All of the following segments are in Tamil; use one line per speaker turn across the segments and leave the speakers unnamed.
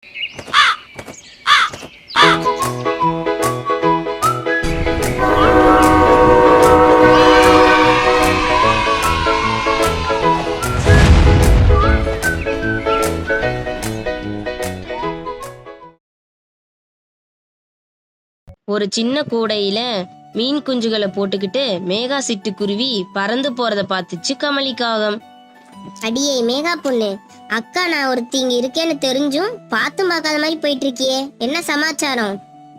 ஒரு சின்ன கூடையில மீன் குஞ்சுகளை போட்டுக்கிட்டு மேகா சிட்டுக்குருவி பறந்து போறத பார்த்துச்சு கமலிக்காகம்.
அடியே மேகா பொண்ணு, அக்கா நான் ஒருத்தி இங்க இருக்கேன்னு தெரிஞ்சும் பார்த்தும் பார்க்காத மாதிரி போயிட்டு இருக்கியே, என்ன சமாச்சாரம்?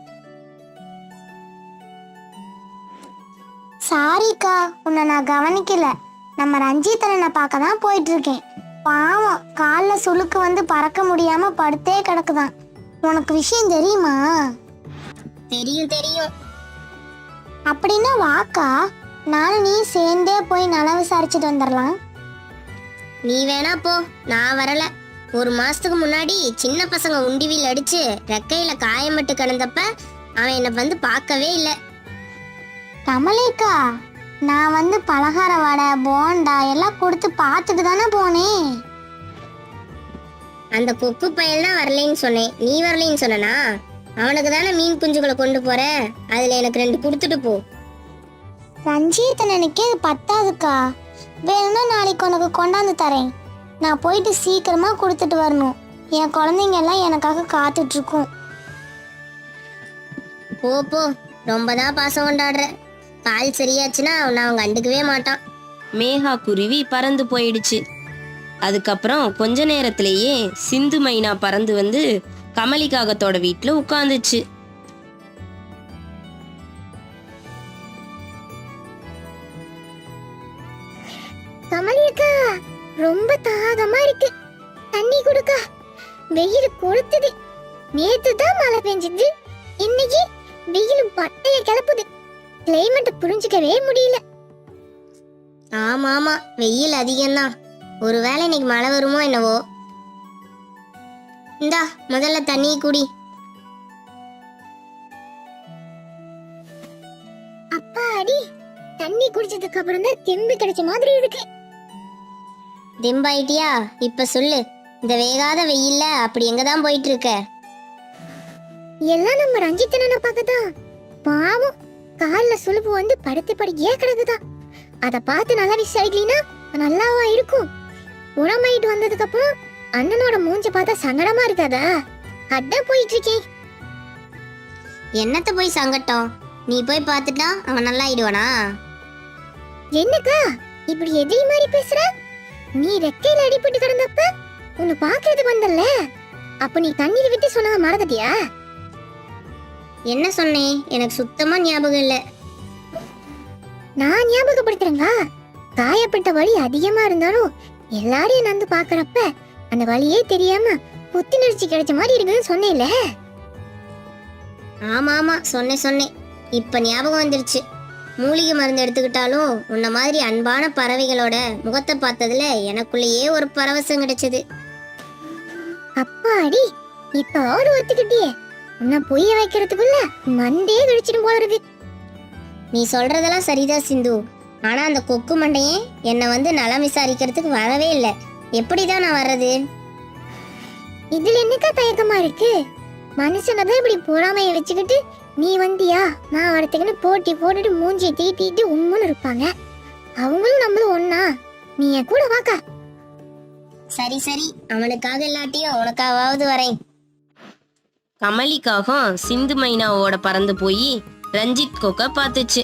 சாரிக்கா, உன்னை நான் கவனிக்கல. நம்ம ரஞ்சித்தனை பார்க்க தான் போயிட்டு இருக்கேன். பாவம், காலில் சுளுக்கு வந்து பறக்க முடியாம படுத்தே கிடக்குதான். உனக்கு விஷயம் தெரியுமா?
தெரியும் தெரியும்.
அப்படின்னா வாக்கா, நானும் நீ சேர்ந்தே போய் நல விசாரிச்சுட்டு வந்துடலாம்.
நீ வேணா போ, நான் வரல. ஒரு மாசத்துக்கு முன்னாடி சின்ன பசங்க உண்டிவில் அடிச்சு ரெக்கையில காயம்பட்டு கிடந்தப்ப அவன் என்னை வந்து பார்க்கவே இல்லை.
கமலிக்கா, நான் வந்து பலகார வடை போண்டா எல்லாம் கொடுத்து பார்த்துட்டு தானே போனேன்.
அந்த கொக்கு பயல் தான் வரலைன்னு சொன்னேன், நீ வரலைன்னு சொன்னா? அவனுக்கு தானே மீன் குஞ்சுகளை கொண்டு போற, அதுல எனக்கு 2 கொடுத்துட்டு போ.
ரஞ்சித்தனுக்கே இது பத்தாதுக்கா, வேணும்னா நாளைக்கு உனக்கு கொண்டாந்து தரேன். நான் போயிட்டு சீக்கிரமா கொடுத்துட்டு வரணும். என் குழந்தைங்க எல்லாம் எனக்காக காத்துட்டு இருக்கும்.
போ போ, ரொம்பதான் பாசம் கொண்டாடுற. கால் சரியாச்சுன்னா அவன் அவன் கண்டுக்கவே மாட்டான்.
மேகா குருவி பறந்து போயிடுச்சு. அதுக்கப்புறம் கொஞ்ச நேரத்திலேயே சிந்து மைனா பறந்து வந்து கமலிக்காகத்தோட வீட்டுல உட்கார்ந்துச்சு.
கமலியக்கா, ரொம்ப தாகமா இருக்கு, தண்ணி கொடுக்கா. வெயில் கொளுத்துது. நேத்து தான் மழை பெஞ்சது, இன்னைக்கு வெயில் பட்டைய கிளப்புது. கிளைமேட் புரிஞ்சுக்கவே முடியல.
ஆமா ஆமா, வெயில் அதிகம்தான். ஒருவேளை இன்னைக்கு மழை வருமோ என்னவோ. இந்தா முதல்ல தண்ணி குடி.
அப்பா அடி, தண்ணி குடிச்சதுக்கு அப்புறம் தான் தெம்பு கிடைச்ச மாதிரி இருக்கு.
தெம்பாயிட்டியா? இப்ப சொல்லு, இந்த வேகாத வெயில்ல அப்படி எங்கதான் போயிட்டு இருக்க?
எல்லாம் நம்ம ரஞ்சித்தனை பார்க்கதான். பாவம், கால்ல சுளுப்பு வந்து படுத்து படுக்கையே கிடக்குதான். அத பார்த்து நல்லா விசாரிக்கலினா நல்லாவா இருக்கும்? உடம்பாயிட்டு வந்ததுக்கு அப்புறம் அண்ணனோட மூஞ்ச பார்த்தா சங்கடமா இருக்காதா? அதான் போயிட்டு இருக்கேன்.
என்னத்த போய் சங்கட்டம், நீ போய் பார்த்துட்டா அவன் நல்லா ஆயிடுவானா?
என்னக்கா இப்படி எதிரி மாதிரி பேசுற? நீ ரெக்கையில அடிபட்டு கிடந்தப்ப உன்னை பாக்குறதுக்கு வந்தல்ல, அப்ப நீ தண்ணீர் விட்டு சொன்னத மறந்துட்டியா?
என்ன சொன்னேன் எனக்கு சுத்தமா ஞாபகம் இல்ல.
நான் ஞாபகப்படுத்துறேங்க. காயப்பட்ட வலி அதிகமா இருந்தாலும் எல்லாரையும் நந்து பாக்குறப்ப அந்த வலியே தெரியாம புத்துணர்ச்சி கிடைச்ச மாதிரி இருக்குன்னு சொன்னேன்ல.
ஆமா ஆமா, சொன்னேன். இப்ப ஞாபகம் வந்துருச்சு. மூலிகை மருந்து எடுத்துக்கிட்டாலும் உன்ன மாதிரி அன்பான பறவைகளோட முகத்தை பார்த்ததுல எனக்குள்ளேயே ஒரு பரவசம் கிடைச்சது.
அப்பாடி, இப்ப ஒரு ஒத்துக்கிட்டியே. உன்னை பொய்ய வைக்கிறதுக்குள்ள மண்டே கழிச்சிடும் போல இருக்கு.
நீ சொல்றதெல்லாம் சரிதான் சிந்து. ஆனா அந்த கொக்கு மண்டையே என்னை வந்து நலம் விசாரிக்கிறதுக்கு வரவே இல்லை. எப்படிதான் நான் வர்றது?
இதுல என்னக்கா தயக்கமா இருக்கு? மனுஷனதான் இப்படி பொறாமையை வச்சுக்கிட்டு நீ வந்தியா நான் வரத்துக்குன்னு போட்டி போட்டுட்டு மூஞ்சியை தீட்டிட்டு உம்முன்னு இருப்பாங்க. அவங்களும் நம்மளும் ஒன்னா. நீ என் கூட வாக்கா.
சரி, அவனுக்காக இல்லாட்டியும் உனக்காவது வரேன்.
கமலிக்காகம் சிந்து மைனாவோட பறந்து போய் ரஞ்சித் கொக்க பார்த்துச்சு.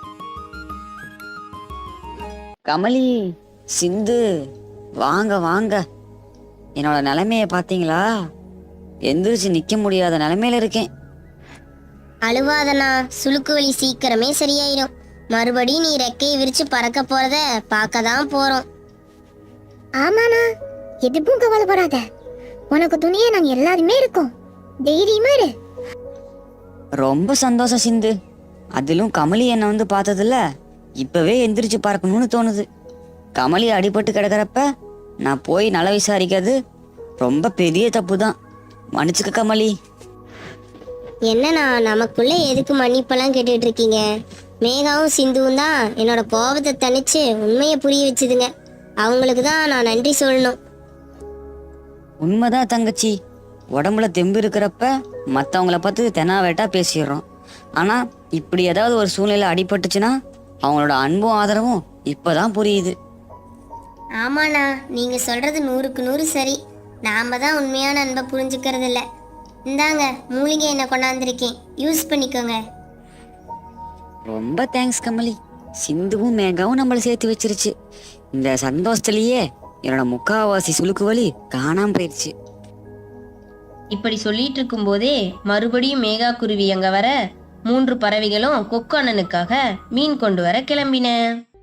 கமலி, சிந்து, வாங்க வாங்க. என்னோட நிலைமைய பாத்தீங்களா? எந்திரிச்சு நிக்க முடியாத நிலைமையில இருக்கேன்.
அழுவாதனா, சுளுக்கு வலி சீக்கிரமே சரியாயிடும். மறுபடியும் நீ ரெக்கையை விரிச்சு பறக்க போறத பார்க்கதான் போறோம்.
ஆமாண்ணா, எதுக்கும் கவலைப்படாத. உனக்கு துணியே நாங்க எல்லாருமே இருக்கோம். தைரியமா இரு.
ரொம்ப சந்தோஷம் சிந்து. அதிலும் கமலி என்ன வந்து பார்த்ததில்ல, இப்பவே எந்திரிச்சு பார்க்கணும்னு தோணுது. கமலி அடிபட்டு கிடக்கிறப்ப நான் போய் நல விசாரிக்கிறது ரொம்ப பெரிய தப்பு தான். மன்னிச்சுக்க கமலி.
என்னண்ணா, நமக்குள்ள எதுக்கு மன்னிப்பெல்லாம் கேட்டுட்டு இருக்கீங்க? மேகாவும் சிந்துவும் தான் என்னோட கோபத்தை தணிச்சு உண்மையை புரிய வச்சுதுங்க. அவங்களுக்கு தான் நான் நன்றி சொல்லணும்.
உண்மைதான் தங்கச்சி. உடம்புல தெம்பு இருக்கிறப்ப மற்றவங்கள பார்த்து தெனாவேட்டா பேசிடுறோம். ஆனா இப்படி ஏதாவது ஒரு சூழ்நிலை அடிபட்டுச்சுன்னா அவங்களோட அன்பும் ஆதரவும் இப்பதான் புரியுது.
ஆமாண்ணா, நீங்க சொல்றது 100க்கு 100 சரி. நாம தான் உண்மையான அன்பை புரிஞ்சுக்கிறது இல்ல. இந்தாங்க மூலிகை என்ன கொண்டாந்துருக்கேன், யூஸ் பண்ணிக்கோங்க.
ரொம்ப தேங்க்ஸ் கமலி. சிந்துவும் மேகாவும் நம்மளை சேர்த்து வச்சிருச்சு. இந்த சந்தோஷத்துலயே என்னோட முக்காவாசி சுளுக்கு வலி காணாம போயிடுச்சு.
இப்படி சொல்லிட்டு இருக்கும்போதே மறுபடியும் மேகா குருவி அங்க வர 3 பறவைகளும் கொக்கு அண்ணனுக்காக மீன் கொண்டு வர கிளம்பின.